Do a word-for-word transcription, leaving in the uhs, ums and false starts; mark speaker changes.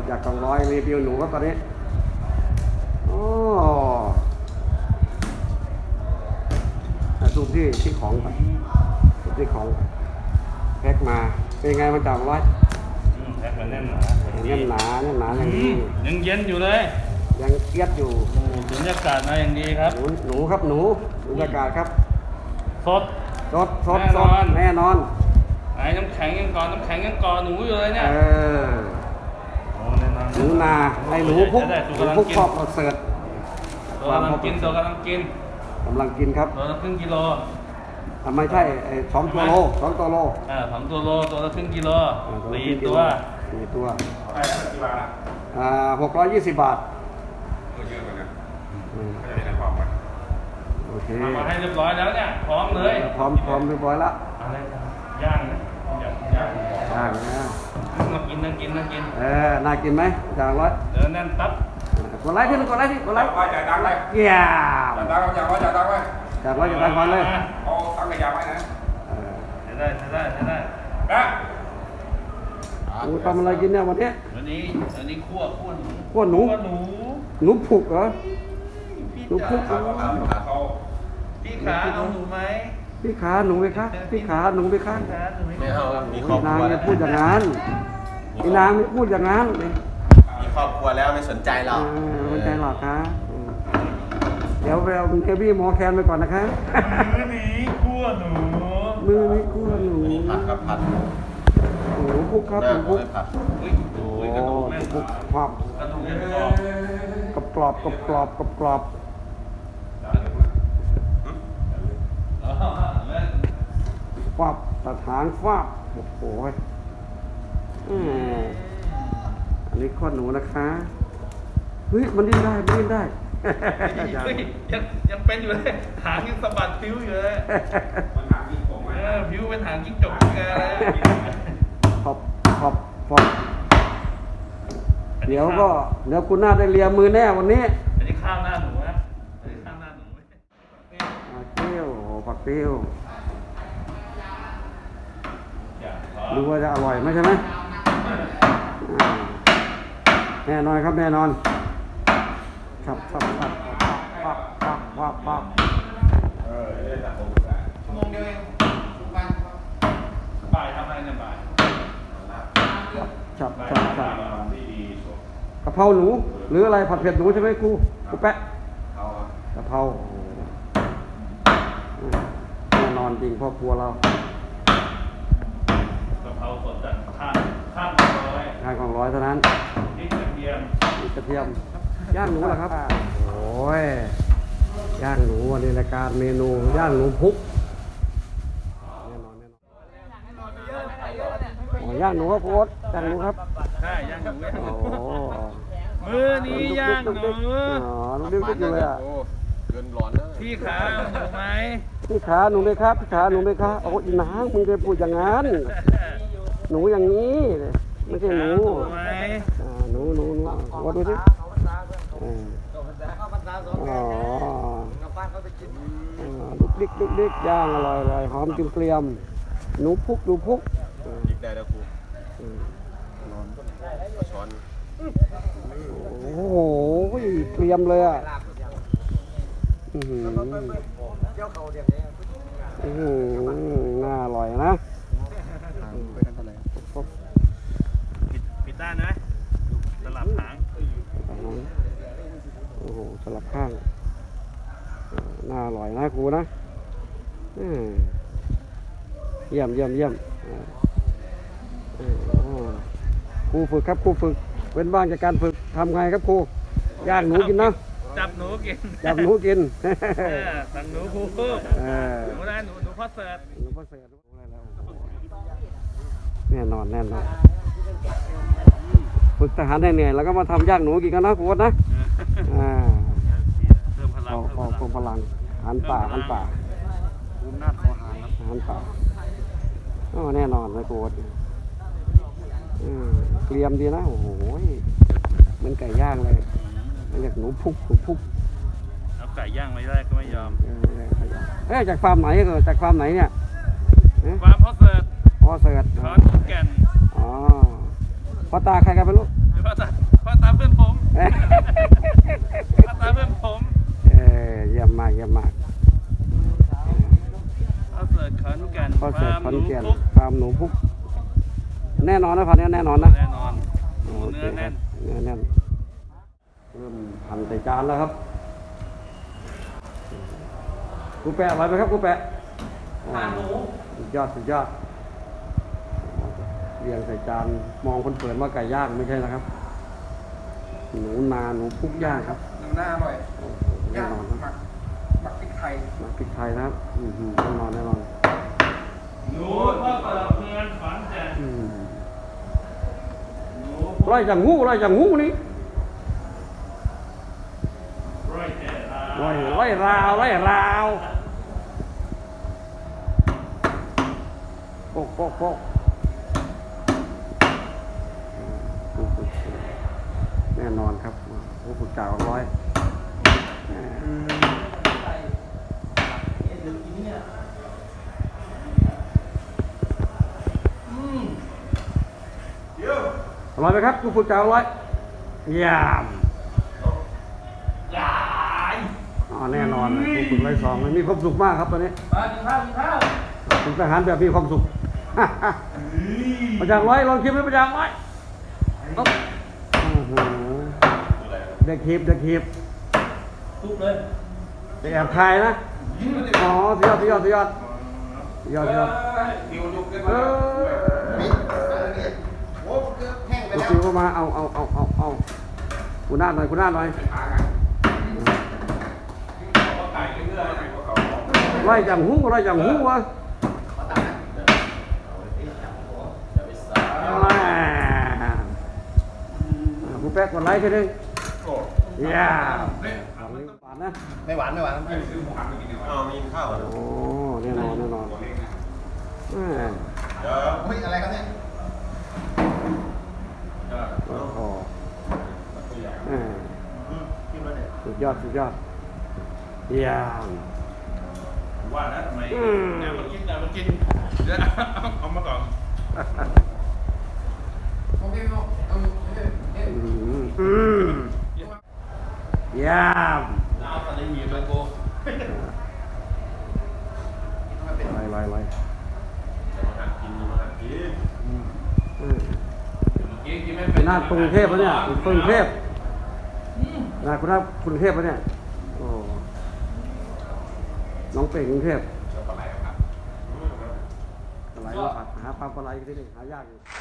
Speaker 1: จากกองร้อยรีวิวหนูครับตอนนี้โอ้ดูที่ที่ของไปดูที่ของแพ็คมาเป็นไงมันจากร้อย
Speaker 2: แพ็คมันแน่นหนา
Speaker 1: แน่นหนาแน่นหนาอย่างนี้
Speaker 2: ยังเย็นอยู่เลย
Speaker 1: ยังเอียดอยู่
Speaker 2: บรรยากาศมาอย่างดีครับ
Speaker 1: หนูหนูครับหนูบรรยากาศครับ
Speaker 2: สด
Speaker 1: สดสดสดแน่นอน
Speaker 2: ไอ้น้ำแข็งยังก่อนน้ำแข็งยังก่อนหนูอยู่เลยเนี่ย
Speaker 1: เออหนูนาไอ้หนูพุกหนูพุกชอบเสิร์ฟ
Speaker 2: ตัวกำลังกินตัวกำลังกิน
Speaker 1: กำลังกินครับ
Speaker 2: ตัวละครึ่งกิโล
Speaker 1: ทำไมใช่ไอ้สองตัวโลสองตัวโล
Speaker 2: อ่าสองตัวโลตัวละครึ่งกิโลสี่ตัว
Speaker 1: สี่ตัวอ่าหกร้อยยี่สิบบาท
Speaker 3: เยอะกว่านั้นก็จะได้ความมัน
Speaker 1: โอเค
Speaker 2: มาให้เรียบร้อยแล้วเนี่ยพร้อมเลย
Speaker 1: พร้อมพร้อมเรียบร้อยแล้ว
Speaker 2: อะไรย่างนะย่างย่าง
Speaker 1: ย่างนะ
Speaker 2: น่ากินน่ากินน่ากิน
Speaker 1: เออน่ากินไหมจางร้อย
Speaker 2: เดินแน่นตับ
Speaker 1: กดไลค์ที่นึงกดไลค์ที่กดไลค์
Speaker 3: จ่ายตังค์เลย
Speaker 1: เยี่ยม
Speaker 3: จ่ายตังค์จ่ายจ่ายตังค์ไว้
Speaker 1: จ่ายร้อยจ่ายตังค์ก่อนเลย
Speaker 3: เอาตังค์กระยาไว้นะ
Speaker 2: ใช้ได้ใช้ได้ใช้ได้
Speaker 3: นะ
Speaker 1: หนูทำอะไรกินเนี่ยวันนี้
Speaker 2: วันนี้วันนี้คั่วคั่วหนู
Speaker 1: คั่วหนู
Speaker 2: หนู
Speaker 1: หนูผุกเหรอหนูผุก
Speaker 2: พี่ขาเอาหนูไหม
Speaker 1: พี่ขาหนูไหมคะพี่ขาหนูไหมคะ
Speaker 2: ไม่เอา
Speaker 1: มีครอบครัวแล้วพูดอย่างนั้นพี่นางไม่พูดอย่างนั้น
Speaker 4: มีครอบครัวแล้วไม่สนใจหรอก
Speaker 1: ไม่สนใจหรอกคะเดี๋ยวไปเอาเฮฟวี่มอแคนไปก่อนนะคะ
Speaker 2: มือนี้คั่วหนู
Speaker 1: มือนี้คั่วหนู
Speaker 4: ผัดครับผัด
Speaker 1: หนูพุกครับหนูพุก
Speaker 2: โอ้กระดูกแม่
Speaker 1: พุกความ
Speaker 2: กระดูกแม่
Speaker 1: กรอบกรอบกรอบกรอบกรอบฟาบตัดหางฟาบโอ้โหอันนี้ข้อหนูนะคะเฮ้ยมันดิ้นได้มันดิ้นได้
Speaker 2: ยังยังเป็นอยู่เลยหางยังสะบัดผิวอยู่เลยผิวเป็นหางจิ้งจกแกเลย
Speaker 1: ขอบขอบขอบเดี๋ยวก็เดี๋ยวคุณน่าได้เลียมือแน่วันนี้
Speaker 2: อันนี้ข้าวหน้าหนูนะอันนี้ข้าวหน้าหนู
Speaker 1: ผักเตี้ยวผักเตี้ยวดูว่าจะอร่อยไหมใช่ไหมแน่นอนครับแน่นอนครับครับครับปั๊บปั๊บปั๊บปั๊บ
Speaker 2: ชั่วโมงเดียวเองบ่ายทำอะไรเนี่ยบ่าย
Speaker 1: จับจับจับกะเพราหนูหรืออะไรผัดเผ็ดหนูใช่ไหมครูครูแปะกะเพราแน่นอนจริงพ่อครัวเรา
Speaker 2: กะเพราสดจากข้างข้างของร้อย
Speaker 1: ข้างของร้อยเท่านั้น
Speaker 2: พริกกระเทียม
Speaker 1: พริกกระเทียมย่างหนูเหรอครับโอ้ยย่างหนูวันนี้รายการเมนูย่างหนูพุกแน่นอนแน่นอนอ๋อย่างหนูครับโค้ดย่างหนูครับ
Speaker 2: ใช่ย่างหนู
Speaker 1: โอ้
Speaker 2: มือนี้ย่างหนู
Speaker 1: อ๋อหนูดิ้นดิ้นเลยอ่ะ
Speaker 4: เกินร้อนแล้ว
Speaker 2: พี่ขาหนูไหม
Speaker 1: พี่ขาหนูไหมครับพี่ขาหนูไหมครับโอ้ยนางมึงจะพูดอย่างนั้นหนูอย่างนี้ไม่ใช่หนูหนูหนูหนูว่าดูสิอ๋อลุกดิ๊กลุกดิ๊กย่างอร่อยอร่อยหอมจิ้มเกลียมหนูพุกหนูพุก
Speaker 4: ดิกได้แล้วครูช้อน
Speaker 1: โอ้โหเกลียมเลยอ่ะอือหืออือหือน่าอร่อยนะ
Speaker 2: ปิดปิดด้านนะสลับหาง
Speaker 1: โอ้โหสลับข้างน่าอร่อยนะครูนะเยี่ยมเยี่ยมเยี่ยมครูฝึกครับครูฝึกเว้นว่างจากการฝึกทำไงครับครูย่างหนูกินเนาะ
Speaker 2: จับหนูกิน
Speaker 1: จับหนูกิน
Speaker 2: สั่งหนูครูหนูได้หนูหนูพ่อเสิร์ฟ
Speaker 1: หนูพ่อเสิร์ฟแน่นอนแน่นอนฝึกทหารเหนื่อยแล้วก็มาทำย่างหนูกินกันนะครูนะอ่า
Speaker 2: เพิ่มพลัง
Speaker 1: เพิ่มพลังหันป่าหันป่า
Speaker 4: คุ้มหน้าคอหางครับ
Speaker 1: หันป่าอ๋อแน่นอนนะครูเกลียมดีนะโอ้โหเหมือนไก่ย่างเลยเรียกหนูพุกหนูพุก
Speaker 2: เอาไก่ย่างไม่ได้ก็ไม่ยอม
Speaker 1: เอ๊ะจากฟาร์มไหนเออจากฟาร์มไหนเนี่ย
Speaker 2: ฟาร์มพ่อเสิร์ฟ
Speaker 1: พ่อเสิร์ฟ
Speaker 2: ขอนแก่น
Speaker 1: อ๋อพ่อตาใครกันไปลูก
Speaker 2: พ่อตา
Speaker 1: เยี่ยมมาก
Speaker 2: ข้าวเสิร์ฟขอนแก่น
Speaker 1: ข้อเสิร์ฟขอนแก่น
Speaker 2: ฟาร์มห
Speaker 1: ฟาร์มหนูพุกแน่นอนนะพันนี้แน่นอนนะ
Speaker 2: แน่นอน
Speaker 1: โอ
Speaker 2: เนื้
Speaker 1: เค
Speaker 2: อ
Speaker 1: ครั
Speaker 2: แน่
Speaker 1: บ
Speaker 2: น
Speaker 1: เนื้อแน่นเริ่มหั่นใส่จานแล้วครับกูแปะอร่อยไหมครับกูแปะทานหนูสุดยอดสุดยอดเรียงใส่จานมองคนเปิดว่าไก่ย่างไม่ใช่นะครับ หนูนาหนูพุกย่างครับ
Speaker 5: หนูหน้าอร่อย
Speaker 1: โอ้โหแน่
Speaker 5: ย่าง
Speaker 1: นอน
Speaker 5: ห
Speaker 1: ค
Speaker 5: มั
Speaker 1: รับ
Speaker 5: กหมักพริกไทย
Speaker 1: มาพริกไทยนะครับอืมแน่นอนแน่นอน
Speaker 2: หนูข้าวเสิร์ฟเมืองขอนแก่น
Speaker 1: อืม
Speaker 2: หนู
Speaker 1: ไล่อย่างงูไล่อย่างงูนี่
Speaker 2: ร้อยเจ็ด
Speaker 1: ไล่ไล่ราวไล่ราวโป๊กโป๊กโป๊กอืมแน่นอนครับโอ้ฝึกกาวร้อยอร่อยไหมครับกูฝึกกาวร้อยยาม
Speaker 2: ยาย
Speaker 1: อ๋อแน่นอนกูฝึกร้อยสองมันมีความสุขมากครับตอนนี้
Speaker 2: มากินข้าวกินข้าว
Speaker 1: ฝึกทหารแบบมีความสุข ประจังร้อยลองคิดไหมประจังร้อยโอ้โหเด็กหีบเด็กหีบ
Speaker 2: ทุบเลย
Speaker 1: เด็กแอบคายนะ อ๋อสุดยอดสุดยอดสุดยอดสุดยอดสุดยอด
Speaker 3: คิวยุกขึ้น
Speaker 1: เอ
Speaker 3: มา
Speaker 1: อ
Speaker 4: โอ้เกือบแห้งไป
Speaker 1: ตัว
Speaker 4: แล้ว
Speaker 1: คิวเข้ามาเอาเอาเอาเอาเอาคุณหน้าหน่อยคุณหน้าหน่อย
Speaker 3: หากันเขาไก่เรื่อยๆเขาเขา
Speaker 1: ไล่จังหูไล่จังหูวะ แม่ผู้แป๊กกดไลค์กันดิ
Speaker 3: โอ้
Speaker 1: ย่าปานนะ
Speaker 4: ไม่หวานไม่หวาน
Speaker 3: ไม่ซื้อหมูหันไปกินดีกว่า
Speaker 4: อ๋อมีข้าวเหรอ
Speaker 1: โอ้แน่นอนแน่นอน
Speaker 3: ตัวเล็กนะ
Speaker 1: แม่
Speaker 3: เดี๋ยว
Speaker 4: เฮ้ยอะไรครับเนี่ย
Speaker 3: เดี๋ยว
Speaker 1: โอ้โห
Speaker 3: ตัวใหญ่
Speaker 1: แม่
Speaker 4: กินมาเนี่ย
Speaker 1: สุดยอดสุดยอดเยี่ยม
Speaker 2: ว่านะทำไม
Speaker 1: อืม
Speaker 2: เดี๋ยวมากินเดี๋ยวมากินเดี๋ยวเอามาก่อน
Speaker 5: โอเคเอาเอาเอาเอา
Speaker 1: อืมอืมเยี่ยม
Speaker 2: เอาตอนนี้มีเลยโก
Speaker 1: ไล่ไล่ไล่
Speaker 3: มาหันกินมาหันกิน
Speaker 1: อืม
Speaker 2: เมื่อกี้กินไม่
Speaker 1: เป็
Speaker 2: เป็น น
Speaker 1: หน้ากรุงเทพปะเนี่ยกรุงเทพหน้าคุณหน้ากรุงเทพปะเนี่ยโอ้น้องเป่งกรุงเทพ
Speaker 3: เดี๋ยวปลาไหลครับ
Speaker 1: ปลาไหลมาผัดหาปลาปลาไหลที่นี่หายากอยู่